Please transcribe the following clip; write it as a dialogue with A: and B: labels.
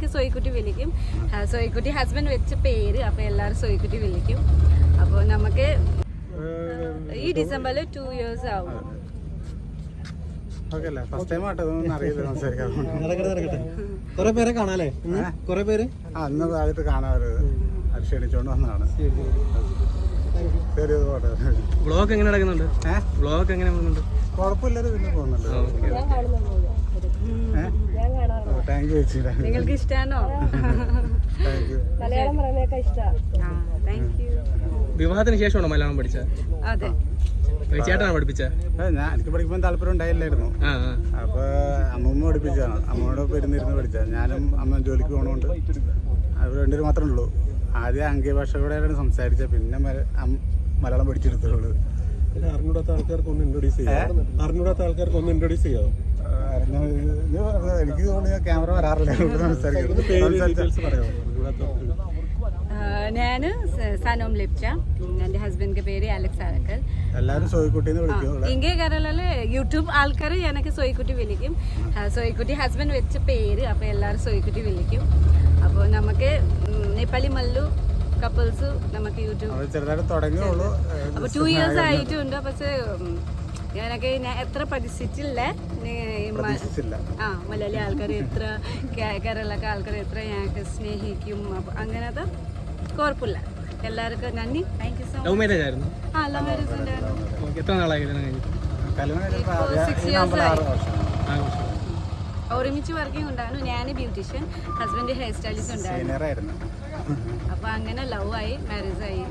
A: സോയിക്കുട്ടി വിളിക്കും. സോയിക്കുട്ടി ഹസ്ബൻഡ് വെച്ച പേര്, അപ്പോൾ എല്ലാവരും സോയിക്കുട്ടി വിളിക്കും. അപ്പോൾ നമുക്ക് ഈ ഡിസംബറിൽ 2 years ആവും.
B: കുറെ പേരെ കാണാല്ലേ? കുറെ പേര്
C: അന്ന് താഴത്ത് കാണാറുള്ളത് അത് ക്ഷണിച്ചോണ്ട് വന്നതാണ്.
B: വ്ളോഗ് എങ്ങനെ നടക്കുന്നുണ്ട്? വ്ളോഗ് എങ്ങനെ പോകുന്നുണ്ട്?
C: കുഴപ്പമില്ലാതെ പിന്നെ പോകുന്നുണ്ട്. താങ്ക് യു ചേച്ചി.
A: നിങ്ങൾക്ക് ഇഷ്ടമാണോ?
D: മലയാളം പറയുന്നതൊക്കെ ഇഷ്ടമാണ്.
A: Thank you.
B: വിവാഹത്തിന് ശേഷമാണോ മലയാളം പഠിച്ചത്?
A: അതെ.
B: ചേട്ടനാണ് പഠിപ്പിച്ചത്?
C: എനിക്ക് പഠിക്കുമ്പോൾ താല്പര്യം ഉണ്ടായില്ലായിരുന്നു. അപ്പൊ അമ്മൂമ്മ പഠിപ്പിച്ചതാണ്. അമ്മയോടൊപ്പം ഇരുന്നിരുന്ന് പഠിച്ചത്. ഞാനും അമ്മ ജോലിക്ക് പോകണോണ്ട് അവർ രണ്ടുപേരും മാത്രമേ ഉള്ളൂ. ആദ്യം അംഗീഭാഷയോടെയാണ് സംസാരിച്ചത്, പിന്നെ മലയാളം പഠിച്ചെടുത്തുള്ളൂ.
B: അറിഞ്ഞൂടാത്ത ആൾക്കാർക്ക് ഒന്ന് ഇൻട്രൊഡ്യൂസ് ചെയ്യാമോ?
C: എനിക്ക് തോന്നുന്നു ക്യാമറ വരാറില്ല.
A: ഞാൻ സനോം ലിപ്ച, എൻ്റെ ഹസ്ബൻഡിൻ്റെ പേര് അലക്സ് ആരക്കൽ.
C: എല്ലാവരും സോയിക്കുട്ടിന്ന് വിളിക്കും.
A: ഇங்கே കേരളയിൽ യൂട്യൂബ് ആൾക്കാർ എനിക്ക് സോയിക്കുട്ടി വിളിക്കും. സോയിക്കുട്ടി ഹസ്ബൻഡ് വെച്ച പേര്, അപ്പോൾ എല്ലാവരും സോയിക്കുട്ടി വിളിക്കും. അപ്പോൾ നമുക്ക് നേപ്പാളി മല്ലു കപ്പിൾസ് നമുക്ക് യൂട്യൂബ്
C: ചെറുതായിട്ട് തുടങ്ങിയുള്ളൂ.
A: അപ്പോൾ 2 years ആയിട്ടുണ്ട്. പക്ഷേ ഞാനൊക്കെ എത്ര പഠിച്ചിട്ടില്ല. മലയാളി ആൾക്കാർ എത്ര, കേരളക്ക ആൾക്കാർ എത്ര ഞങ്ങൾക്ക് സ്നേഹിക്കും. അപ്പോൾ അങ്ങനത്തെ കുഴപ്പമില്ല. എല്ലാവർക്കും നന്ദി. Thank you so much.
B: Love marriage ആയിരുന്നു?
A: ലവ് മാരേജ് ഉണ്ടായിരുന്നു.
B: എത്ര നാളായി കല്യാണം കഴിഞ്ഞിട്ട്?
A: 6 years ആയി. ഒരുമിച്ച് വർക്കിംഗ് ഉണ്ടായിരുന്നു. ഞാൻ ബ്യൂട്ടീഷ്യൻ, ഹസ്ബൻഡ് ഹെയർ സ്റ്റൈലിസ്റ്റ് ഉണ്ടായിരുന്നു. അപ്പോൾ അങ്ങനെ ലവ് ആയി, മാരേജ് ആയി.